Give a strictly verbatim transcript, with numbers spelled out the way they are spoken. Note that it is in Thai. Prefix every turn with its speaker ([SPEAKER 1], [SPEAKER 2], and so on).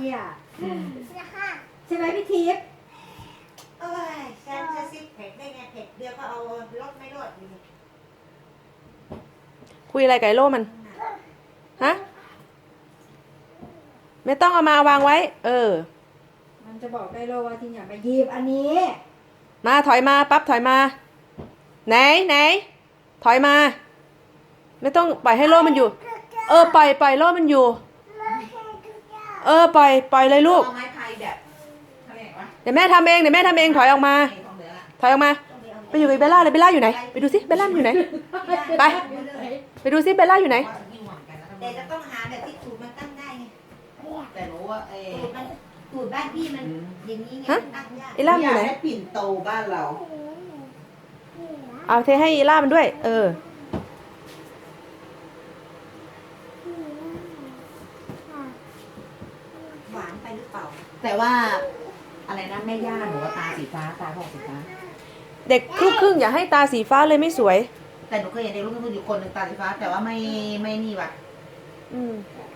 [SPEAKER 1] เนี่ยใช่ไหมพี่ทิพย์
[SPEAKER 2] เอ้ยฉันจะซิปเผ็ดได้ไงเผ็ดเดียวก็เอารสไม่รสอยู่
[SPEAKER 3] คุยอะไรกับไอ้โล่มันฮะไม่ต้องเอามาวางไว้ เออ
[SPEAKER 1] มันจะบอกได้โลว่าที่อย่ามาหยิบอันนี้
[SPEAKER 3] มาถอยมาปั๊บถอยมา ไหนไหนถอยมา ไม่ต้องปล่อยให้โล่มันอยู่ เออปล่อยปล่อยโล่มันอยู่ เออปล่อยปล่อยเลยลูก
[SPEAKER 2] เอาไม้พายแบบทำไงวะ
[SPEAKER 3] เดี๋ยวแม่ทำเองเดี๋ยวแม่ทำเองถอยออกมา ถอยออกมา ไปอยู่กับเบลล่าเลยเบลล่าอยู่ไหนไปดูสิเบลล่าอยู่ไหน ไป ไปดูสิเบลล่าอยู่ไหน
[SPEAKER 2] แต่จะต้องหาแบบที่ตูดมันตั้งได้ไง
[SPEAKER 4] แต่หนูว่าเอ
[SPEAKER 2] ตูดมันตูดบ้านพี่มันอย่างนี้ไง
[SPEAKER 3] ฮะ
[SPEAKER 2] ตั้งยาก
[SPEAKER 3] ไอ้ล่ามอยู่ไหน
[SPEAKER 4] ให้ปิ่นโตบ้านเรา
[SPEAKER 3] เอาเทให้อีล่ามันด้วย เออ
[SPEAKER 2] หวานไปหรือเปล่า
[SPEAKER 4] แต่ว่าอะไรนะแม่ย่าหนูว่าตาสีฟ้าตาของสีฟ้า
[SPEAKER 3] เด็กครึ่งครึ่งอย่าให้ตาสีฟ้าเลยไม่สวย
[SPEAKER 4] แต่หนูเคยเห็นเด็กลูกครึ่งอยู่คนหนึ่งตาสีฟ้า แต่ว่าไม่ไม่นี่ว่ะ
[SPEAKER 3] อืม